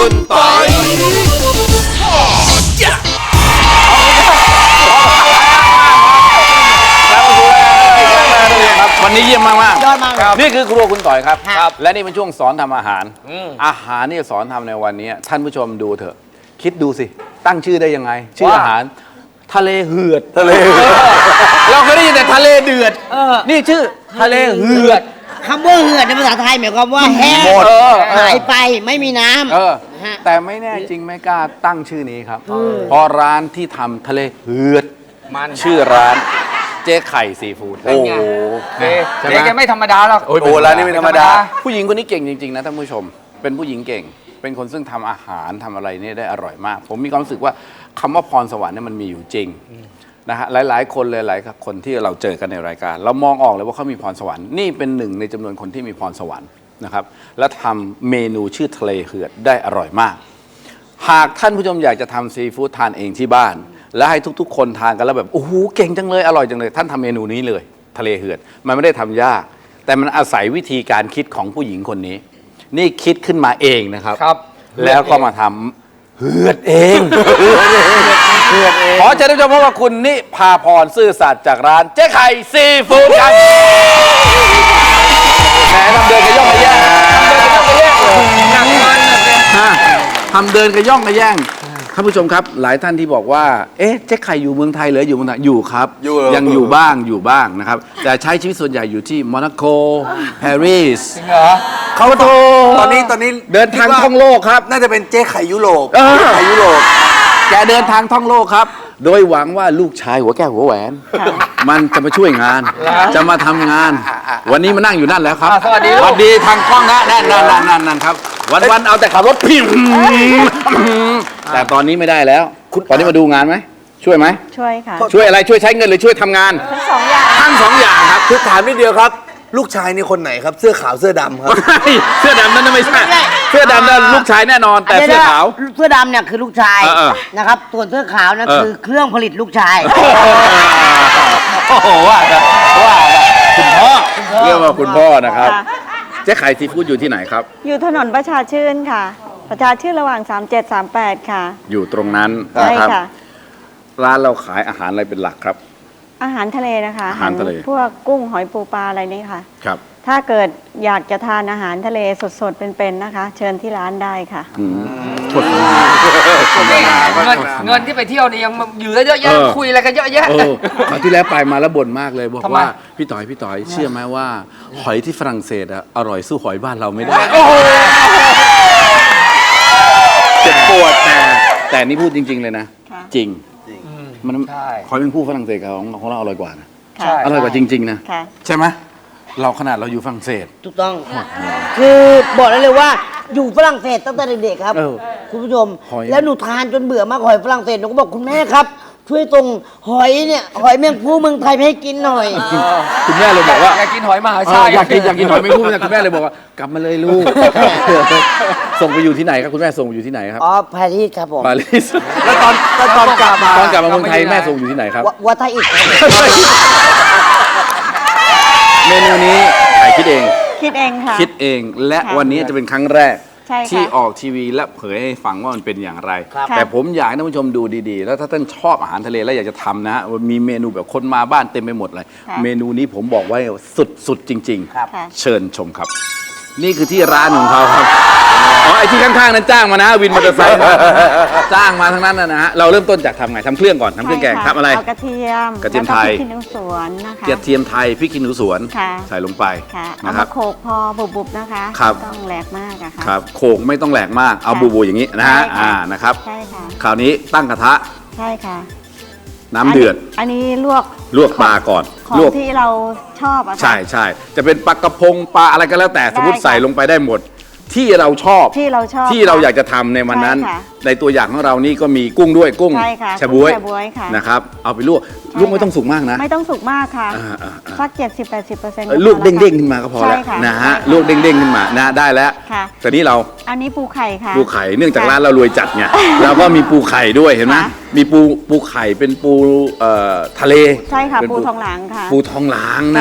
คุณปอยวันนี้เยี่ยมมากๆยอดมากเลยนี่คือครัวคุณต่อยครับครับและนี่เป็นช่วงสอนทำอาหาร อาหารนี่สอนทำในวันนี้ท่านผู้ชมดูเถอะ คิดดูสิ ตั้งชื่อได้ยังไง ชื่ออาหาร ทะเลเหือด ทะเลเราเคยได้ยินแต่ทะเลเดือด นี่ชื่อทะเลเหือดคำว่าเหือดในภาษาไทยหมายความว่าแห้งหมดหายไปไม่มีน้ำ ฮะแต่ไม่แน่จริงไม่กล้าตั้งชื่อนี้ครับเพราะร้านที่ทำทะเลเหือดชื่อร้านเจ๊ไข่ซีฟู้ดโอ้โหใช่ไหมเจ๊แกไม่ธรรมดาหรอกโอ้ร้านนี้ไม่ธรรมดา ผู้หญิงคนนี้เก่งจริงๆนะท่านผู้ชม เป็นผู้หญิงเก่ง เป็นคนซึ่งทำอาหารทำอะไรเนี่ยได้อร่อยมาก ผมมีความรู้สึกว่าคำว่าพรสวรรค์เนี่ยมันมีอยู่จริงนะฮะหลายๆคนเลยหลายคนที่เราเจอกันในรายการ เรามองออกเลยว่าเขามีพรสวรรค์นี่เป็นหนึ่งในจำนวนคนที่มีพรสวรรค์นะครับและทำเมนูชื่อทะเลเหือดได้อร่อยมาก หากท่านผู้ชมอยากจะทำซีฟู้ดทานเองที่บ้าน และให้ทุกๆ คนทานกันแล้วแบบโอ้โหเก่งจังเลยอร่อยจังเลยท่านทำเมนูนี้เลยทะเลเหือดมันไม่ได้ทำยาก แต่มันอาศัยวิธีการคิดของผู้หญิงคนนี้ นี่คิดขึ้นมาเองนะครับครับแล้วก็มาทำเหือดเองขอเชิญท่านผู้ชมพบกับคุณนิพาพรซื่อสัตย์จากร้านเจ๊ไข่ซีฟู้ดครับแหมทำเดินกระย่องกระแย่งทำเดินกระย่องกระแย่งท่านผู้ชมครับหลายท่านที่บอกว่าเอ๊ะเจ๊ไข่อยู่เมืองไทยหรืออยู่เมืองไทยอยู่ครับยังอยู่บ้างนะครับแต่ใช้ชีวิตส่วนใหญ่อยู่ที่โมนาโกปารีสจริงเหรอเขาโทรตอนนี้เดินทางท่องโลกครับน่าจะเป็นเจ๊ไข่ยุโรปเจ๊ไข่ยุโรปแกเดินทางท่องโลกครับ โดยหวังว่าลูกชายหัวแก้วหัวแหวน มันจะมาช่วยงาน จะมาทำงาน วันนี้มานั่งอยู่นั่นแล้วครับสวัสดีสวัสดีทางกล้องนะนั่นครับ วันเอาแต่ขับรถพิมแต่ตอนนี้ไม่ได้แล้ว ตอนนี้มาดูงานไหมช่วยไหมช่วยค่ะช่วยอะไรช่วยใช้เงินหรือช่วยทำงานทั้งสองอย่างทั้งสองอย่างครับคือถามนิดเดียวครับ ลูกชายนี่คนไหนครับ เสื้อขาวเสื้อดำครับเสื้อดำนั่นไม่ใช่เสื้อดำนั่นลูกชายแน่นอน แต่เสื้อขาวเสื้อดำเนี่ยคือลูกชายเออนะครับส่วนเสื้อขาวนั่นคือเครื่องผลิตลูกชายโอ้โหว่าคุณพ่อเรียกว่าคุณพ่อนะครับค่ะเจ๊ไข่ซีฟู้ดอยู่ที่ไหนครับอยู่ถนนประชาชื่นค่ะ ประชาชื่นระหว่าง 3738 ค่ะอยู่ตรงนั้นใช่นะครับค่ะร้านเราขายอาหารอะไรเป็นหลักครับอาหารทะเลนะคะอาหารทะเลพวกกุ้งหอยปูปลาอะไรนี่ค่ะครับถ้าเกิดอยากจะทานอาหารทะเลสดๆ เป็นๆ นะคะ เชิญที่ร้านได้ค่ะโฆษณาเงินที่ไปเที่ยวนี่ยังอยู่เยอะแยะคุยอะไรกันเยอะแยะคราวที่แล้วไปมาแล้วบ่นมากเลยบอกทำไมว่าพี่ต่อยเชื่อไหมว่า หอยที่ฝรั่งเศสอะอร่อยสู้หอยบ้านเราไม่ได้เจ็บปวดแต่นี่พูดจริง ๆ เลยนะค่ะจริงมันใช่หอยเป็นผู้ฝรั่งเศสของเราอร่อยกว่านะใช่อร่อยกว่าจริง ๆ นะค่ะใช่ไหมเราขนาดเราอยู่ฝรั่งเศสถูกต้อง คือบอกได้เลยว่าอยู่ฝรั่งเศสตั้งแต่เด็กๆครับเออคุณผู้ชมหอยแล้วหนูทานจนเบื่อมากหอยฝรั่งเศสหนูก็บอกคุณแม่ครับ ช่วยตรงหอยเนี่ยหอยแมงภู่เมืองไทยไปให้กินหน่อยคุณแม่เลยบอกว่าอยากกินหอยมหาเอชาอติอยากกินหอยไม่พูดนะคุณแม่เลยบอกว่ากลับมาเลยลูก ส่งไปอยู่ที่ไหนครับคุณแม่ส่งไปอยู่ที่ไหนครับอ๋อปารีสครับผมปารีสแล้วตอนกลับมาตอนกลับมาเมืองไทยแม่ส่งอยู่ที่ไหนครับวัดท่าอิฐครับเมนูนี้ใครคิดเองคิดเองค่ะคิดเองและค่ะวันนี้จะเป็นครั้งแรกใช่ค่ะที่ออกทีวีและเผยให้ฟังว่ามันเป็นอย่างไรครับแต่ผมอยากให้ท่านผู้ชมดูดีๆ แล้วถ้าท่านชอบอาหารทะเลแล้วอยากจะทำนะมีเมนูแบบคนมาบ้านเต็มไปหมดเลยค่ะเมนูนี้ผมบอกไว้สุดๆจริงครับค่ะๆ เชิญชมครับ นี่คือที่ร้านของเขาครับอ๋อไอ้ที่ข้างๆนั้นจ้างมานะ วินมอเตอร์ไซค์จ้างมาทั้งนั้นนะฮะเราเริ่มต้นจากทำไงทำเครื่องก่อนทำเครื่องแกงใช่ค่ะทำอะไรเอากระเทียมกระเทียมไทยแล้วก็พริกขี้หนูสวนนะคะกระเทียมไทยพริกขี้หนูสวนค่ะใส่ลงไปค่ะเอานะครัมาบโขลกพอบุบๆนะคะครับไม่ต้องแหลกมากอะค่ะครับโขกไม่ต้องแหลกมากเอาค่ะบูอย่างนี้นะฮะใช่ค่ะนะครับใช่ค่ะคราวนี้ตั้งกระทะใช่ค่ะน้ำเดือดอันนี้ลวกลวกปลาก่อนของลวกที่เราชอบอะค่ะใช่จะเป็นปลากระพงปลาอะไรก็แล้วแต่สมมติได้ค่ะใส่ลงไปได้หมด ที่เราชอบที่เราชอบที่เราอยากจะทำในวันนั้นใช่ค่ะในตัวอย่างของเรานี่ก็มีกุ้งด้วยกุ้งใช่ค่ะชะบ๊วยกุ้งแชบ๊วยค่ะนะครับเอาไปลวกใช่ลวกไม่ค่ะต้องสุกมากนะไม่ต้องสุกมากค่ะอ่าสัก 70-80% ลวกเด้งๆขึ้นมาก็พอแล้วใช่ค่ะนะฮะใช่ค่ะลวกเด้งๆขึ้นมานะได้แล้วค่ะแต่นี่เราอันนี้ปูไข่ค่ะปูไข่เนื่องจากค่ะร้านเรารวยจัดไงเราก็มีปูไข่ด้วยเห็นไหมค่ะมีปูไข่เป็นปูทะเลใช่ค่ะเป็นปูทองหลางค่ะปูทองหลางนะฮะ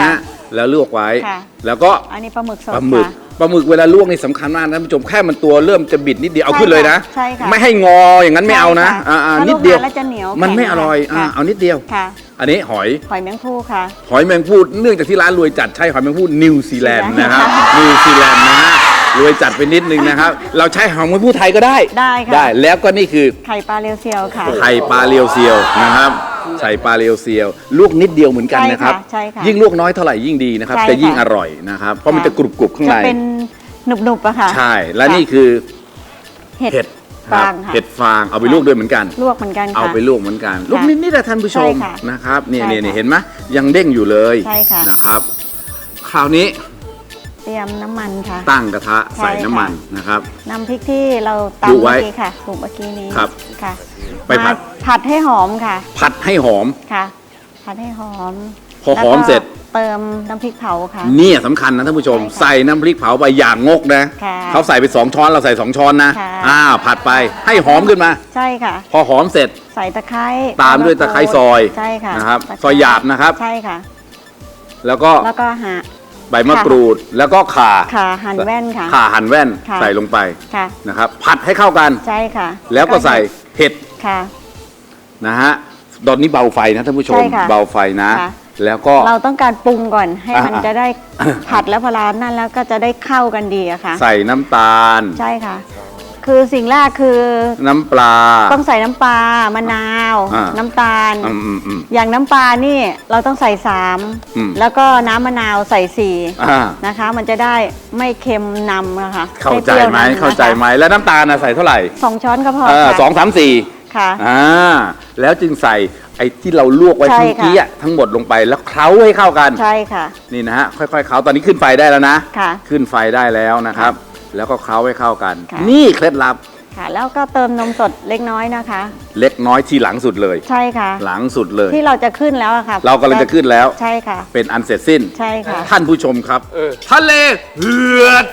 แล้วลวกไว้ค่ะแล้วก็อันนี้ปลาหมึกสดปลาหมึกค่ะปลาหมึกเวลาลวกนี่สำคัญมากนะท่านผู้ชมแค่มันตัวเริ่มจะบิดนิดเดียวเอาใช่ขึ้นเลยนะใช่ค่ะไม่ให้งออย่างนั้นไม่เอานะใช่ค่ะนิดเดียวถ้าลวกนานแล้วจะเหนียวมันไม่แข็งอร่อยค่ะเอานิดเดียวค่ะอันนี้หอยหอยแมงภู่ค่ะหอยแมงภู่เนื่องจากที่ร้านรวยจัดใช้หอยแมงภู่นิวซีแลนด์นะครับค่ะนิวซีแลนด์นะฮะรวยจัดไปนิดนึงนะครับ เราใช้หอยแมงภู่ไทยก็ได้ได้ค่ะได้แล้วก็นี่คือไข่ปลาเรียวเซียวค่ะไข่ปลาเรียวเซียวนะครับใส่ปลาเรียวเซียวลวกนิดเดียวเหมือนกันนะครับใช่ค่ะยิ่งลวกน้อยเท่าไหร่ยิ่งดีนะครับใช่ค่ะจะยิ่งอร่อยนะครับเพราะมันจะกรุบๆข้างในจะเป็นหนุบๆอะค่ะใช่และนี่คือเห็ดเห็ดฟางค่ะเห็ดฟางเอาไปลวกด้วยเหมือนกันลวกเหมือนกันค่ะเอาไปลวกเหมือนกันลวกนิดๆนะท่านผู้ชมใช่ค่ะนะครับเนี่ยใช่เนี่ยค่ะเห็นไหมยังเด้งอยู่เลยใช่ค่ะนะครับ คราวนี้เตรียมน้ำมันค่ะตั้งกระทะใช่ใส่ค่ะน้ำมันนะครับน้ำพริกที่เราปรุตำงไว้เมื่อกี้ค่ะปรุงเมื่อกี้นี้ครับค่ะไปผัดมาผัดให้หอมค่ะผัดให้หอมค่ะ ผัดให้หอมพอหอมแล้วก็เสร็จเติมน้ำพริกเผาค่ะเนี่ยสำคัญนะท่านผู้ชมใช่ค่ะใส่น้ำพริกเผาไปอย่างงกนะค่ะเขาใส่ไป2 ช้อนเราใส่2 ช้อนนะค่ะผัดไปให้หอมขึ้นมาใช่ค่ะพอหอมเสร็จใส่ตะไคร้ตามด้วยตะไคร้ซอยใช่ค่ะนะครับตะไคซอยหยาบนะครับใช่ค่ะแล้วก็แล้วก็หาใบมะกรูดแล้วก็ข่าขาหั่นแว่นค่ะข่าหั่นแว่นค่ะใส่ลงไปค่ะนะครับ ผัดให้เข้ากันใช่ค่ะแล้วก็ใส่เห็ดค่ะนะฮะตอนนี้เบาไฟนะท่านผู้ชมใช่ค่ะเบาไฟนะค่ะแล้วก็เราต้องการปรุงก่อนให้มันอ่าจะได้ผัดแล้วพอร้านนั่นแล้วก็จะได้เข้ากันดีอะค่ะใส่น้ำตาลใช่ค่ะ คือสิ่งแรกคือน้ำปลาต้องใส่น้ำปลามะนาวอ่าน้ำตาลอืมอย่างน้ำปลานี่เราต้องใส่อืม 3แล้วก็น้ำมะนาวใส่อ่า 4นะคะ มันจะได้ไม่เค็มนำนะคะเข้าใจไหมปรี้ยวนำนะคะเข้าใจไหมแล้วน้ำตาลนะใส่เท่าไหร่ 2 ช้อนก็พอสองค่ะสามสี่ค่ะแล้วจึงใส่ไอ้ที่เราลวกไว้ใช่เมื่อกี้ค่ะอะทั้งหมดลงไปแล้วเคล้าให้เข้ากันใช่ค่ะนี่นะฮะค่อยๆเคล้าตอนนี้ขึ้นไฟได้แล้วนะค่ะขึ้นไฟได้แล้วนะครับ แล้วก็เคล้าให้เข้ากันค่ะนี่เคล็ดลับค่ะ แล้วก็เติมนมสดเล็กน้อยนะคะเล็กน้อยทีหลังสุดเลยใช่ค่ะหลังสุดเลยที่เราจะขึ้นแล้วอะค่ะเรากำลังจะขึ้นแล้วใช่ค่ะเป็นอันเสร็จสิ้นใช่ค่ะท่านผู้ชมครับทะเลเหือด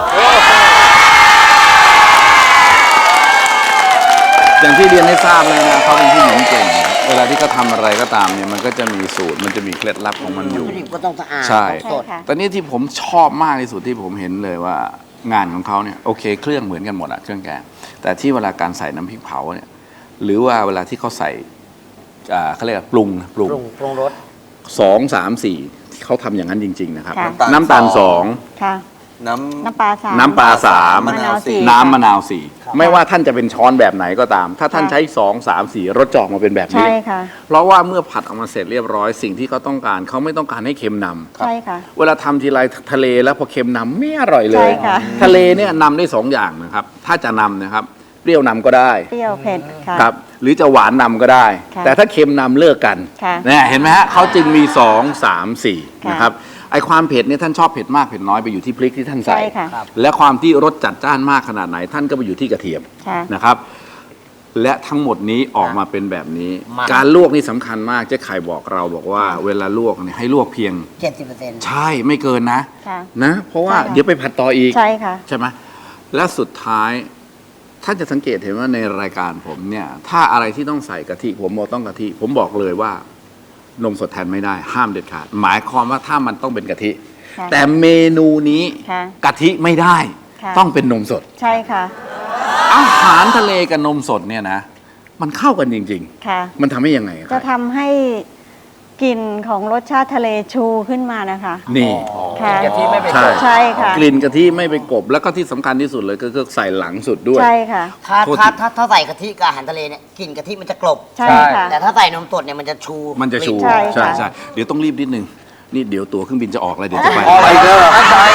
อย่างที่เรียนให้ทราบเลยนะเขาเป็นผู้หญิงเก่ง เวลาที่เขาทำอะไรก็ตามเนี่ยมันก็จะมีสูตรมันจะมีเคล็ดลับของมันอยู่วัตถุดิบก็ต้องสะอาดใช่ต้องสดใช่ค่ะตอนนี้ที่ผมชอบมากที่สุดที่ผมเห็นเลยว่างานของเขาเนี่ยโอเคเครื่องเหมือนกันหมดอะเครื่องแกงแต่ที่เวลาการใส่น้ำพริกเผาเนี่ยหรือว่าเวลาที่เขาใส่เขาเรียกว่าปรุงปรุงรส 2 3 4ที่เขาทำอย่างนั้นจริง ๆ นะครับค่ะน้ำตาลค่ะน้น้ำปลา3 น้ำปลา3 มะนาว4 น้ำมะนาว4ไม่ว่าท่านจะเป็นช้อนแบบไหนก็ตาม ถ้าท่านใช้2 3 4รสจะออกมาเป็นแบบนี้ใช่ค่ะเพราะว่าเมื่อผัดออกมาเสร็จเรียบร้อยสิ่งที่เขาต้องการเขาไม่ต้องการให้เค็มนำใช่ค่ะเวลาทำทีไรทะเลแล้วพอเค็มนำไม่อร่อยเลใช่ยค่ะทะเลเนี่ยนำได้2 อย่างนะครับ ถ้าจะนำนะครับเปรี้ยวนำก็ได้เปรี้ยวเผ็ดค่ะครับ หรือจะหวานนำก็ได้ค่ะแต่ถ้าเค็มนำเลิกกันค่ะเนี่ยเห็นไหมฮะเขาจึงมี2 3 4 ค่ะนะครับไอความเผ็ดเนี่ยท่านชอบเผ็ดมากเผ็ดน้อยไปอยู่ที่พริกที่ท่านใส่ใช่ค่ะและความที่รสจัดจ้านมากขนาดไหนท่านก็ไปอยู่ที่กระเทียมค่ะนะครับ และทั้งหมดนี้ออกมาเป็นแบบนี้มาการลวกนี่สำคัญมากเจ๊ไข่บอกเราบอกว่า เวลาลวกเนี่ยให้ลวกเพียง 70% ใช่ไม่เกินนะค่ะนะ เพราะว่าใช่ค่ะเดี๋ยวไปผัดต่ออีกใช่ค่ะใช่ไหมและสุดท้ายท่านจะสังเกตเห็นว่าในรายการผมเนี่ยถ้าอะไรที่ต้องใส่กะทิผมบอกต้องกะทิ ผมบอกเลยว่านมสดแทนไม่ได้ ห้ามเด็ดขาดหมายความว่าถ้ามันต้องเป็นกะทิค่ะแต่เมนูนี้ค่ะกะทิไม่ได้ค่ะต้องเป็นนมสดใช่ค่ะอาหารทะเลกับนมสดเนี่ยนะ มันเข้ากันจริงค่ะๆ มันทำให้ยังไงคจะรับทำให้กลิ่นของรสชาติทะเลชูขึ้นมานะคะนี่ค่ะกะทิไม่ไปใช่ใช่ค่ะกลิ่นกะทิไม่ไปกบ แล้วก็ที่สำคัญที่สุดเลยก็คือใส่หลังสุดด้วยใช่ค่ะถ้าโทษทีถ้าใส่กะทิกับอาหารทะเลเนี่ยกลิ่นกะทิมันจะกลบใช่ค่ะแต่ถ้าใส่นมสดเนี่ยมันจะชูมันจะชูใช่ค่ะใช่เดี๋ยวต้องรีบนิดนึง นี่เดี๋ยวตั๋วเครื่องบินจะออกแล้วเดี๋ยวจะไปำไปเด้อ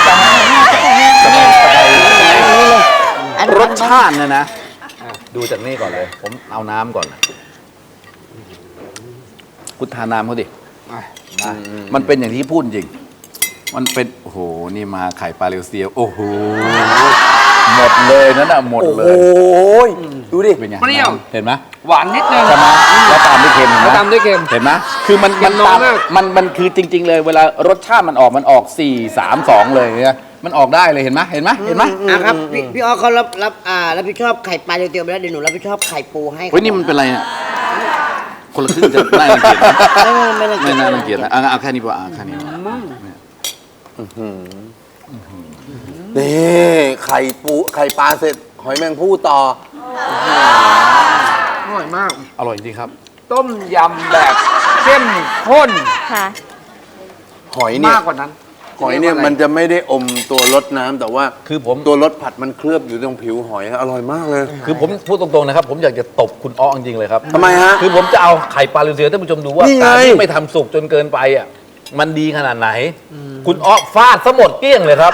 รสชาติเนี่ยนะ ดูจากนี่ก่อนเลย ผมเอาน้ำก่อนคุณทานน้ำเขาดิมันเป็นอย่างที่พูดจริง มันเป็น โอ้โห นี่มาไข่ปลาเรียวเซียว โอ้โห หมดเลยนั่นน่ะหมดโอ้เลโหยดูดิเป็นไงเปรี้ยวเห็นไหมหวานนิดนึงใช่ไหมแล้วตามด้วยเค็มเห็นไหแล้วตามด้วยเค็มเห็นไหมคือมันเค็มน้อยตามมากมันคือจริง ๆ เลย เวลารสชาติมันออก 4 3 2 เลยเนี่ยมันออกได้เลยเห็นไหมเห็นไหมเห็นไหมครับพี่อ้อเขารับผิดชอบไข่ปลาเตียวๆไปแล้วเดี๋ยวหนูรับผิดชอบไข่ปูให้เฮ้ยนี่มันเป็นอะไรเนี่ยคนละครึ่งจะน่ารังเกียจนะไม่ไม่น่ารังเกียจนะเอาแค่นี้พอแค่นี้พอนี่ไข่ปลาเสร็จหอยแมงภู่ต่ออร่อยมากอร่อยจริงครับต้มยำแบบเข้มข้นค่ะหอยเนี่ยมากกว่านั้นหอยเนี่ยมันจะไม่ได้อมตัวรสน้ำแต่ว่าคือผมตัวรสผัดมันเคลือบอยู่ตรงผิวหอยอร่อยมากเลยคือผมพูดตรงๆนะครับ ผมอยากจะตบคุณอ้อจริงๆเลยครับทำไมฮะคือผมจะเอาไข่ปลาลูเซียท่านผู้ชมดูว่านี่ไงการที่ไม่ทำสุกจนเกินไปอ่ะมันดีขนาดไหน คุณอ้อฟาดซะหมดเกลี้ยงเลยครับ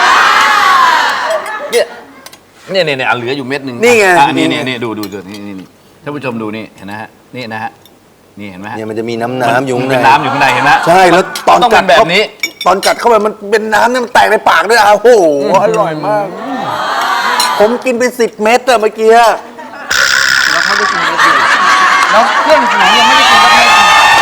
เนี่ยเหลืออยู่เม็ดหนึ่งนี่ไงอ่ะนี่ดูนี่ท่านผู้ชมดูนี่เห็นนะฮะนี่นะฮะนี่เห็นไหมฮะเนี่ยมันจะมีน้ำอยู่ข้างในเป็นน้ำอยู่ข้างในเห็นไหมใช่แล้วตอนต้องกัเป็ดนแบบนี้ตอนกัดเข้าไปมันเป็นน้ำเนี่ยมันแตกในปากด้วยอ่ะโอ้โหอร่อยมาก ผมกินไป10 เม็ดอะเมื่อกี้แล้วเขาได้กินก็คือแล้วเพื่อนฝูงยังไม่ได้กินก็ไม่ได้กิน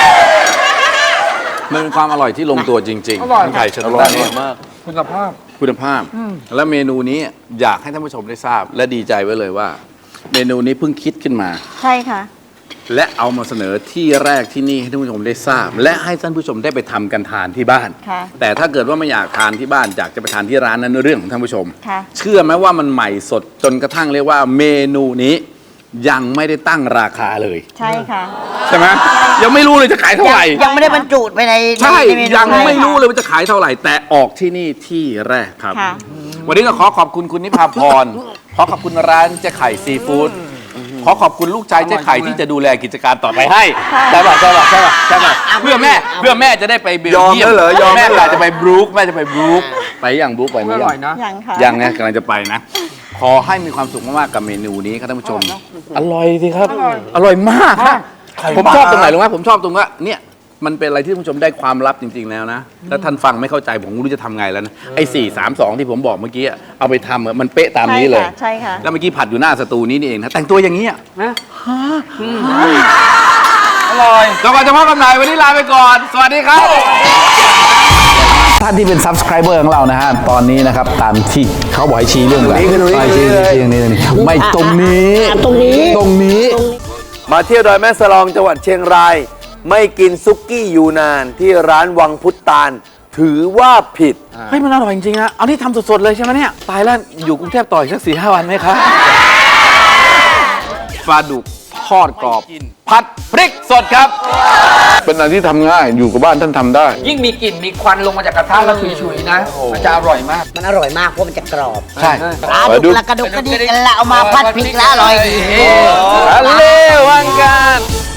มันเป็นความอร่อยที่ลงตัวจริงอร่อยไข่เชลอล์ร่อยมากคุณภาพคุณภาพ และเมนูนี้อยากให้ท่านผู้ชมได้ทราบ และดีใจไว้เลยว่า เมนูนี้เพิ่งคิดขึ้นมาใช่ค่ะและเอามาเสนอที่แรกที่นี่ให้ท่านผู้ชมได้ทราบ และให้ท่านผู้ชมได้ไปทำกันทานที่บ้านค่ะแต่ถ้าเกิดว่าไม่อยากทานที่บ้านอยากจะไปทานที่ร้านนั้นเรื่องของท่านผู้ชมค่ะเชื่อไหมว่ามันใหม่สดจนกระทั่งเรียกว่าเมนูนี้ยังไม่ได้ตั้งราคาเลยใช่ค่ะใช่ไหมยังไม่รู้เลยจะขายเท่าไหร่ยังไม่ได้บรรจุไปในใช่ในเมนูยังไม่เลยรู้เลยว่าจะขายเท่าไหร่ แต่ออกที่นี่ที่แรกครับค่ะวันนี้ก็ขอขอบคุณคุณนิพาพร ขอขอบคุณร้านเจ๊ไข่ซีฟู้ดขอขอบคุณลูกชายเจ๊ไข่ที่จะดูแลกิจการต่อไปให้ใช่ป่ะเพื่อแม่จะได้ไปเบลเยียมยอมแล้วเหรอยอมแล้วแม่เหรออยากจะไปบรูคแม่จะไปบรูคไปอย่างบรูคไปไหมอร่อยนะยังค่ะยังไงกำลังจะไปนะ ขอให้มีความสุขมากๆกับเมนูนี้ครับท่านผู้ชม อร่อยสิครับ อร่อยมากครับผมชอบตรงไหนรู้ไหมผมชอบตรงว่าเนี่ยมันเป็นอะไรที่ท่านผู้ชมได้ความลับจริง ๆ แล้วนะถ้าท่านฟังไม่เข้าใจผมไม่รู้จะทำไงแล้วนะไอ้4-3-2ที่ผมบอกเมื่อกี้อะเอาไปทำอะมันเป๊ะตามนี้เลยใช่ค่ะแล้วเมื่อกี้ผัดอยู่หน้าสตูนี้นี่เองนะแต่งตัวอย่างนี้อะนะอร่อยก่อนจะพบกันใหม่วันนี้ลาไปก่อน สวัสดีครับท่านที่เป็น subscriber ของเรานะฮะตอนนี้นะครับตามที่เขาบอกให้ชี้เรื่องอะไรชี้อย่างนี้ไม่ตรงนี้ตรงนี้มาเที่ยวดอยแม่สลองจังหวัดเชียงราย ไม่กินซุกี้ยูนานที่ร้านวังพุทธาน ถือว่าผิดเฮ้ยมันอร่อยจริงๆนะเอาที่ทำสดๆเลยใช่ไหมเนี่ยตายแล้วอยู่กรุงเทพต่ออีกสัก4-5 วันไหมครับปลาดุกทอดกรอบผัดพริกสดครับ เป็นอะไรที่ทำง่ายอยู่กับบ้านท่านทำได้ยิ่งมีกลิ่นมีควันลงมาจากกระทะแล้วฉุยๆนะมันจะอร่อยมากมันอร่อยมากเพราะมันจะกรอบใช่ปลาดุกละกระดุกกระดิกกันละเอามาพัดพริกแล้วอร่อยดีทะเลวังการ